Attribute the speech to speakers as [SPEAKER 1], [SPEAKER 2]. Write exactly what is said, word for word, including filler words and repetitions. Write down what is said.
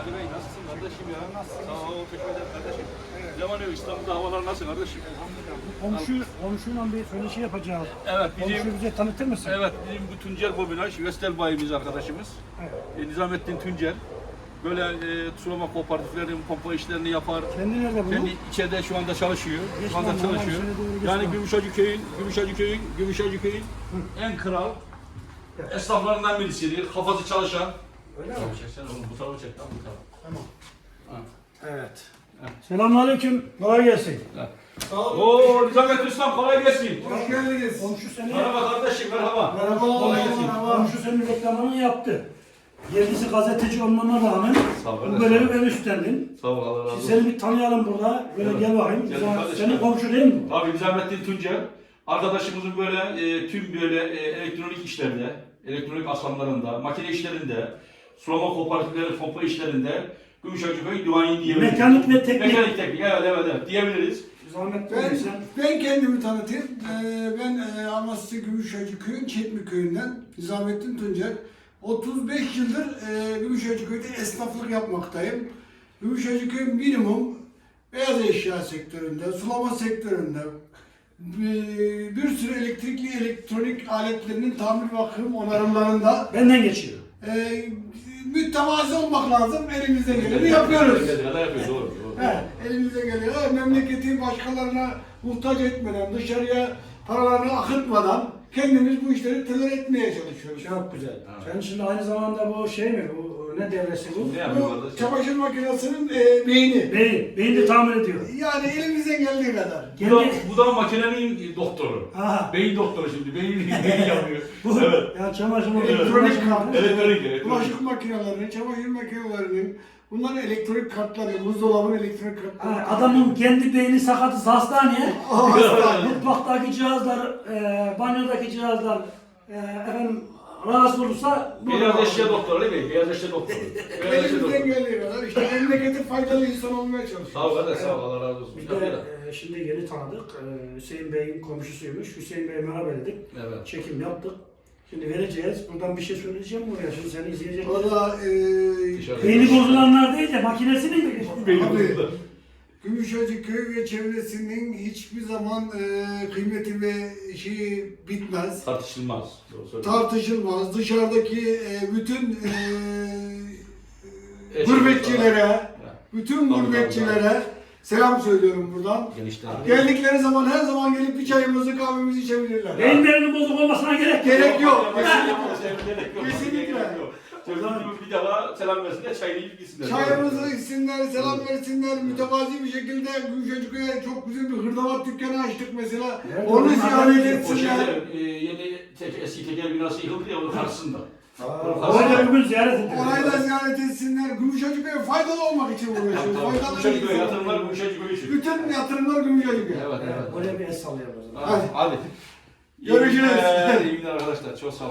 [SPEAKER 1] Ali Bey nasılsın kardeşim ya? Nasılsın? Sağ ol, teşekkür ederim kardeşim. Ne var ne yok? İstanbul'da havalar nasıl kardeşim?
[SPEAKER 2] Komşu, komşuyla bir söyleşi yapacağız.
[SPEAKER 1] Evet, bizim,
[SPEAKER 2] Komşuyu bize tanıtır mısın?
[SPEAKER 1] evet, bizim bu Tuncer Bobinaj, Vestel bayimiz arkadaşımız.
[SPEAKER 2] Evet.
[SPEAKER 1] E, Nizamettin Tuncer. Böyle e, sulama kooperatiflerinin pompa işlerini yapar.
[SPEAKER 2] Kendi nerede bunu?
[SPEAKER 1] Kendi içeride şu anda çalışıyor.
[SPEAKER 2] Geç
[SPEAKER 1] Şu anda
[SPEAKER 2] lan,
[SPEAKER 1] çalışıyor.
[SPEAKER 2] normal, şöyle doğru geç
[SPEAKER 1] Yani
[SPEAKER 2] lan.
[SPEAKER 1] Gümüşhacı köyün, Gümüşhacı köyün, Gümüşhacı köyün en kral esnaflarından birisidir. Kafası çalışan.
[SPEAKER 2] Öyle mi?
[SPEAKER 1] Sen oğlum bu tarafa çek lan bu tarafa.
[SPEAKER 2] Tamam.
[SPEAKER 1] Ha.
[SPEAKER 2] Evet. Selamünaleyküm. Kolay gelsin.
[SPEAKER 1] Oo Nizamettin Ustam kolay gelsin.
[SPEAKER 2] Hoş geldiniz. Komşu seni...
[SPEAKER 1] Merhaba kardeşim merhaba.
[SPEAKER 2] Merhaba.
[SPEAKER 1] Kolay gelsin.
[SPEAKER 2] Merhaba. Komşu senin reklamını yaptı. Yerlisi gazeteci olmana rağmen
[SPEAKER 1] Sağ ol
[SPEAKER 2] bu
[SPEAKER 1] kardeşim.
[SPEAKER 2] görevi ben üstlendin.
[SPEAKER 1] Sağ ol Allah razı
[SPEAKER 2] Şimdi
[SPEAKER 1] olsun.
[SPEAKER 2] seni bir tanıyalım burada. Böyle
[SPEAKER 1] Evet.
[SPEAKER 2] gel bakayım.
[SPEAKER 1] Gel
[SPEAKER 2] Sen-
[SPEAKER 1] kardeşim.
[SPEAKER 2] Senin komşu değil mi?
[SPEAKER 1] Abi Nizamettin Tuncer. Arkadaşımızın böyle e, tüm böyle e, elektronik işlerde, elektronik aslanlarında, makine işlerinde, sulama kooperatifleri, pompa işlerinde Gümüşhacı Köy duayen diyebiliriz.
[SPEAKER 2] Mekanik ve teknik.
[SPEAKER 1] Mekanik teknik evet evet evet diyebiliriz.
[SPEAKER 2] Zahmet
[SPEAKER 3] Ben,
[SPEAKER 2] olursa.
[SPEAKER 3] ben kendimi tanıtayım. Ee, ben e, Amasya Gümüşhacı Köyü'nün Çetmi Köyü'nden Nizamettin Tuncer. otuz beş yıldır e, Gümüşhacı Köy'de esnaflık yapmaktayım. Gümüşhacı Köy minimum beyaz eşya sektöründe, sulama sektöründe, bir, bir sürü elektrikli elektronik aletlerinin tamir bakım onarımlarında
[SPEAKER 2] Benden geçiyor.
[SPEAKER 3] e, mütevazi olmak lazım. Elimizden geleni yapıyoruz.
[SPEAKER 1] Ne yapıyoruz doğru. doğru.
[SPEAKER 3] He, elimize geliyor. Ha, memleketi başkalarına muhtaç etmeden, dışarıya paralarını akıtmadan kendimiz bu işleri teler etmeye çalışıyoruz.
[SPEAKER 2] Çok güzel.
[SPEAKER 1] Ha.
[SPEAKER 2] Sen şimdi aynı zamanda bu şey mi? Bu ne devresi bu?
[SPEAKER 1] Ne yapıyoruz
[SPEAKER 3] Bu
[SPEAKER 1] kardeşim?
[SPEAKER 3] çamaşır makinesinin e, beyni.
[SPEAKER 2] Beyin. Beyin de tamir ediyor.
[SPEAKER 3] Yani elimizden geldiği kadar.
[SPEAKER 1] Bu da, bu da makinenin doktoru.
[SPEAKER 2] Aha.
[SPEAKER 1] Beyin doktoru şimdi. Beyin, beyin yapıyor.
[SPEAKER 2] Bu
[SPEAKER 1] Evet.
[SPEAKER 2] ya çamaşır makinesi.
[SPEAKER 3] Elektronik
[SPEAKER 2] çamaşır
[SPEAKER 3] kart,
[SPEAKER 2] makinesi.
[SPEAKER 1] Elektronik, elektronik.
[SPEAKER 3] bulaşık makinelerinin, çamaşır makinelerinin, bunların elektronik kartları, buzdolabının elektronik kartları.
[SPEAKER 2] Ha, adamın kendi beyni sakatız hastaneye.
[SPEAKER 3] Hastane.
[SPEAKER 2] Mutfaktaki cihazlar, e, banyodaki cihazlar e, efendim rahatsız olursa
[SPEAKER 1] Beyaz eşya doktoru değil mi? Beyaz eşya doktoru. Beyaz eşya
[SPEAKER 3] Elimizden
[SPEAKER 1] doktoru.
[SPEAKER 3] geldiği kadar işte memlekete faydalı insan olmaya çalışıyoruz.
[SPEAKER 1] Sağ ol kardeş sağ ol Allah razı olsun.
[SPEAKER 2] Biz de e, şimdi yeni tanıdık. E, Hüseyin Bey'in komşusuymuş. Hüseyin Bey'e merhaba dedik.
[SPEAKER 1] Evet.
[SPEAKER 2] Çekim yaptık. Şimdi vereceğiz. Buradan bir şey söyleyeceğim buraya. Şimdi seni izleyecek.
[SPEAKER 3] O da e,
[SPEAKER 1] Dışarı-
[SPEAKER 2] Beyni bozulanlar değil de makinesinin mi?
[SPEAKER 1] Beyin
[SPEAKER 3] Abi,
[SPEAKER 1] doktoru.
[SPEAKER 3] Gümüşhacı köy ve çevresinin hiçbir zaman e, kıymeti ve şeyi bitmez.
[SPEAKER 1] Tartışılmaz. Doğru söylüyorsun.
[SPEAKER 3] Tartışılmaz. Dışarıdaki e, bütün e,
[SPEAKER 1] Eşit
[SPEAKER 3] gurbetçilere,
[SPEAKER 1] Ya,
[SPEAKER 3] bütün
[SPEAKER 1] Tabii,
[SPEAKER 3] gurbetçilere selam söylüyorum buradan.
[SPEAKER 1] Genişler.
[SPEAKER 3] Geldikleri zaman her zaman gelip bir çayımızı kahvemizi içebilirler.
[SPEAKER 2] Beyinlerinin bozuk olmasına gerek yok.
[SPEAKER 3] Gerek yok.
[SPEAKER 1] Kesinlikle.
[SPEAKER 3] Kesinlikle.
[SPEAKER 1] Sözüm gibi bir defa selam versinler, çayını yiyip gitsinler.
[SPEAKER 3] Çayımızı içsinler, selam versinler, mütevazi bir şekilde Gümüşhacı Köy'e çok güzel bir hırdavat dükkanı açtık mesela.
[SPEAKER 2] Evet,
[SPEAKER 3] Onu
[SPEAKER 2] onlar
[SPEAKER 3] ziyaret
[SPEAKER 2] da-
[SPEAKER 1] O
[SPEAKER 3] etsinler.
[SPEAKER 1] şeyde e, yeni tek, eski tekel binası yıkıldı ya onun karşısında.
[SPEAKER 2] Oraya bugün ziyaret ettik.
[SPEAKER 3] Orayı da ziyaret etsinler. Gümüşhacı Köy'e faydalı olmak için uğraşıyoruz. Faydalı
[SPEAKER 1] Gümüşhacı
[SPEAKER 3] bir
[SPEAKER 1] Köy
[SPEAKER 3] insan.
[SPEAKER 1] yatırımlar Gümüşhacı Köy için.
[SPEAKER 3] Bütün yatırımlar Gümüşhacı Köy.
[SPEAKER 1] Evet evet.
[SPEAKER 2] Oraya bir el sallayalım o zaman.
[SPEAKER 1] Hadi. Hadi.
[SPEAKER 3] Görüşürüz.
[SPEAKER 1] İyi günler, iyi günler arkadaşlar. Çok sağ olun.